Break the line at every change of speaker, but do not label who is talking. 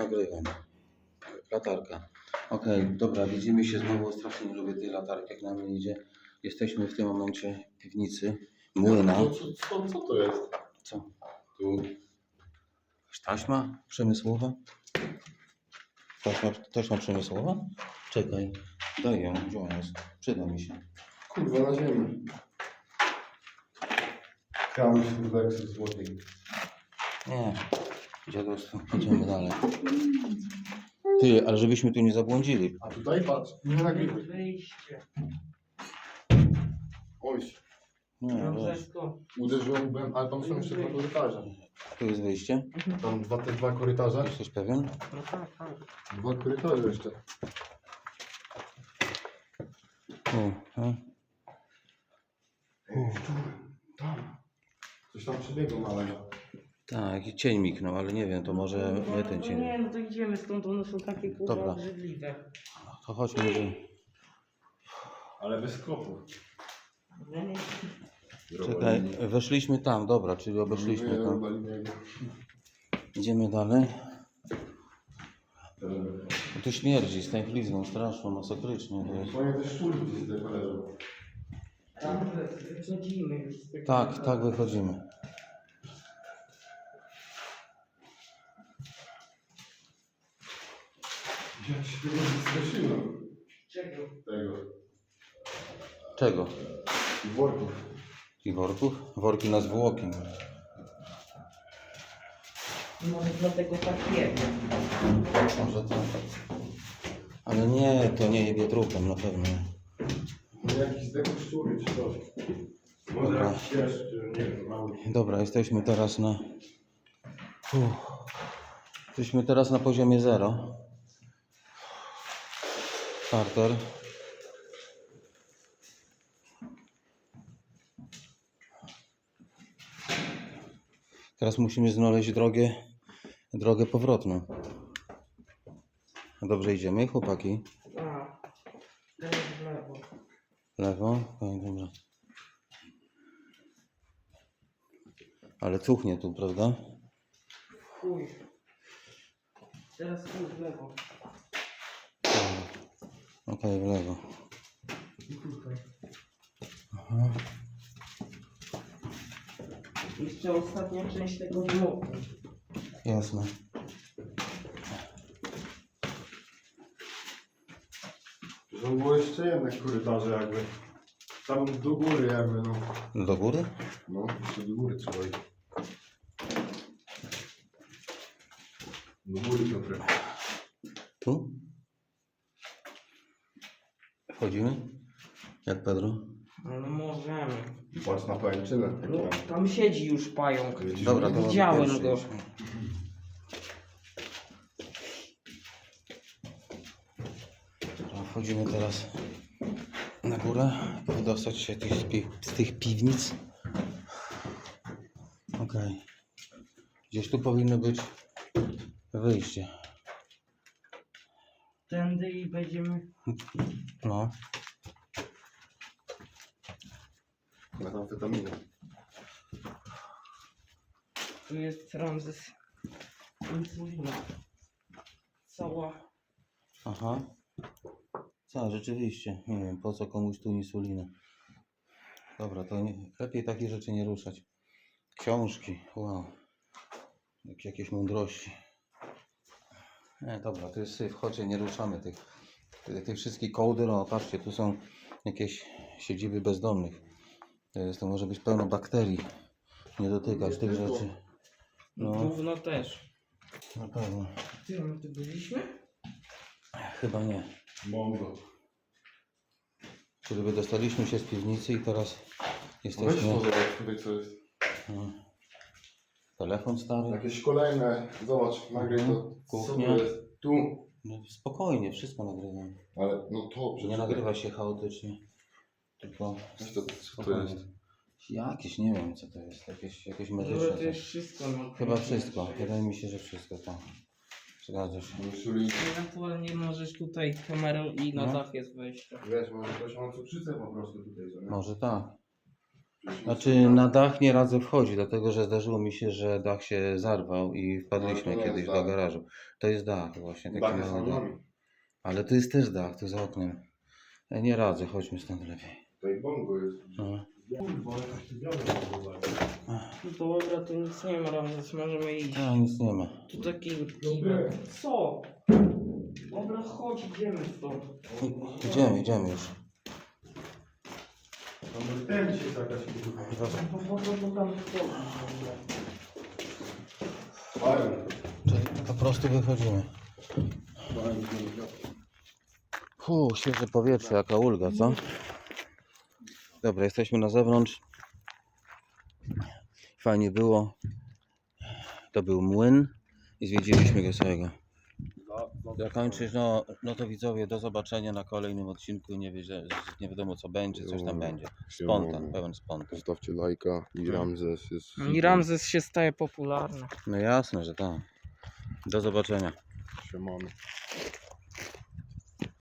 nagrywam. Latarka. Okej, dobra, widzimy się znowu. Strasznie nie lubię tej latarki, jak na mnie idzie. Jesteśmy w tym momencie w piwnicy młyna.
Co to jest?
Co?
Tu.
Taśma przemysłowa? Taśma przemysłowa? Czekaj, daj ją, gdzie ona jest? Przyda mi się.
Kurwa, na ziemi. Krały się do eksu złotych.
Nie, dziadostwo, idziemy dalej. Ty, ale żebyśmy tu nie zabłądzili.
A tutaj patrz, nie nagrywaj.
Wyjście.
Oj,
Nie,
No
wiesz,
wszystko.
uderzyłem, ale tam są jeszcze dwa korytarze.
tu jest wyjście.
Tam te dwa korytarze.
Jesteś pewien?
No tak, tak.
Dwa korytarze jeszcze.
Tu,
Tam. Coś tam przebiegło małego.
tak, i cień miknął, ale nie wiem, to może my ten cień.
Nie, no to idziemy stąd, one są takie kurwa
Dobra.
obrzydliwe.
To chodźmy, że...
Ale bez skopów.
Czekaj, weszliśmy tam, dobra, czyli obeszliśmy tam. Idziemy dalej. Tu śmierdzi z tęchlizną straszną, masakrycznie. To jest.
Moje te szczurki gdzieś tutaj leżą.
Tam wychodzimy już z tego.
Tak, wychodzimy.
Ja się tego nie straszyłem.
Czego?
Tego.
Czego?
I worków.
I worków? Worki na zwłoki.
Może dlatego tak jest.
Może to... Ale nie, to nie jebie trupem, na pewno.
No jakiś zdechły szczury czy coś. Może
Dobra.
jakiś jeszcze, nie wiem, mały.
Dobra, jesteśmy teraz na... Jesteśmy teraz na poziomie 0. Starter. Teraz musimy znaleźć drogę powrotną. Dobrze idziemy, chłopaki?
A, teraz w lewo.
Lewo? Okej, dobra. Ale cuchnie tu, prawda?
Chuj. Teraz chuj w lewo.
Okej, w lewo.
I tutaj.
Aha.
Jeszcze ostatnia część tego bloku.
Jasne.
To było jeszcze jedne korytarze jakby. Tam do góry jakby, no.
Do góry?
No, jeszcze do góry trzeba iść. Do góry Piotrek.
Tu? Wchodzimy? Jak Pedro?
No możemy.
I patrz na pajęczynę.
No, tam siedzi już pająk.
Dobra, to
Widziałem
może
go.
pierwszy. Dobra, wchodzimy teraz na górę, wydostać się z tych piwnic. Okej. Gdzieś tu powinno być wyjście.
Tędy i będziemy...
No.
Metamfetamina.
Tu jest Ramzes. Insulina. Cała.
Aha. Co, rzeczywiście. Nie wiem, po co komuś tu insulina. Dobra, to lepiej takich rzeczy nie ruszać. Książki, wow. Jakieś mądrości. Nie, dobra, to jest syf. Chodźcie, nie ruszamy tych wszystkich kołder. No, patrzcie, tu są jakieś siedziby bezdomnych. To może być pełno bakterii. Nie dotykać tych rzeczy. No,
Gówno też.
na pewno.
Ty, my tu byliśmy?
Chyba nie.
Mongo.
Czyli wydostaliśmy się z piwnicy i teraz
Weź
jesteśmy...
to zobacz tutaj co jest.
No. Telefon stary.
Jakieś kolejne, zobacz, nagraj to.
Kuchnia.
Co to jest? Tu.
No, spokojnie, wszystko nagrywam.
Ale no to przecież.
Nie nagrywa się chaotycznie. Tylko
Weź to, co to
spokojnie.
jest?
Jakieś, nie wiem co to jest. Jakieś medyczne.
Może to
coś.
jest wszystko. No,
Chyba wszystko. Wydaje mi się, że wszystko tak. Zgadza się.
Insulin.
Ewentualnie możesz tutaj kamerą i na
No.
dach jest wejście.
Wiesz, może ktoś ma cukrzycę po prostu tutaj, co nie?
Może tak. Znaczy na dach nie radzę wchodzić, dlatego że zdarzyło mi się, że dach się zarwał i
No,
wpadliśmy
to nie
kiedyś
jest
do
dach.
garażu. To jest dach właśnie, taki
Dach jest
mały
nad
dach.
nami.
Ale to jest też dach, tu za oknem. Nie radzę, chodźmy stąd lepiej.
Tutaj bongo jest.
No.
Kurwa, ale się wiadomo.
No dobra, to nic nie ma, Ramzes, możemy iść.
A, nic nie ma.
Tu taki kibel. Co? Dobra, chodź, idziemy stąd.
Idziemy już.
Tam ten się jakaś kurwa.
No po co to tam wchodzić?
Fajnie.
Czyli po prostu wychodzimy. Świeże powietrze, jaka ulga, co? Dobra, jesteśmy na zewnątrz. Fajnie było. To był młyn i zwiedziliśmy go całego. Zakończyć, no to widzowie, do zobaczenia na kolejnym odcinku. Nie wiadomo co będzie, coś tam będzie. Spontan, pełen spontan.
Zostawcie lajka i Ramzes jest...
I Ramzes się staje popularny.
No jasne, że tak. Do zobaczenia.
Siemano.